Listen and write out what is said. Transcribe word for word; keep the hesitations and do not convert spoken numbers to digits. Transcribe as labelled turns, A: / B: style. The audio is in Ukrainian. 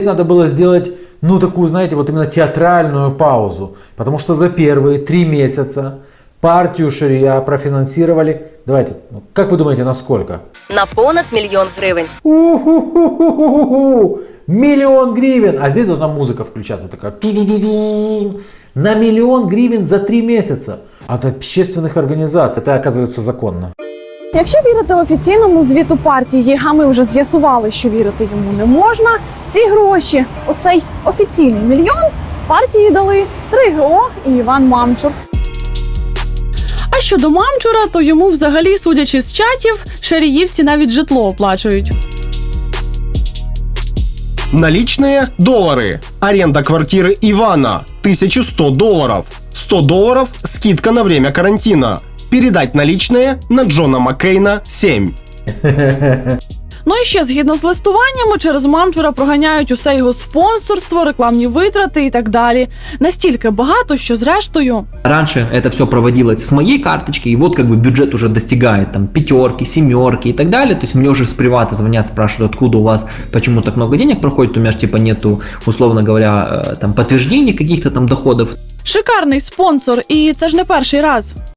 A: Надо было сделать, ну, такую, знаете, вот именно театральную паузу. Потому что за первые три месяца партию Шария профинансировали, давайте, ну, как вы думаете, на сколько?
B: На понад мільйон гривень.
A: У-ху-ху-ху-ху-ху! Миллион гривен! А здесь должна музыка включаться такая. Ту-ду-ду-ду. На миллион гривен за три месяца. От общественных организаций. Это, оказывается, законно.
C: Якщо вірити офіційному звіту партії, а ми вже з'ясували, що вірити йому не можна, ці гроші, оцей офіційний мільйон, партії дали три ге о і Іван Мамчур. А щодо Мамчура, то йому взагалі, судячи з чатів, шаріївці навіть житло оплачують.
D: Наличные – доллары. Аренда квартиры Ивана – тысяча сто долларов. сто долларов – скидка на время карантина. Передать наличные на Джона Маккейна семь.
C: Ну і ще, згідно з листуваннями, через Мамчура проганяють усе його спонсорство, рекламні витрати і так далі. Настільки багато, що зрештою...
E: Раньше это все проводилось с моей карточки, и вот как бы бюджет уже достигает там пятерки, семерки и так далее. То есть мне уже с привата звонят, спрашивают, откуда у вас, почему так много денег проходит, у меня же типа нету, условно говоря, там подтверждений каких-то там доходов.
C: Шикарний спонсор, і це ж не перший раз.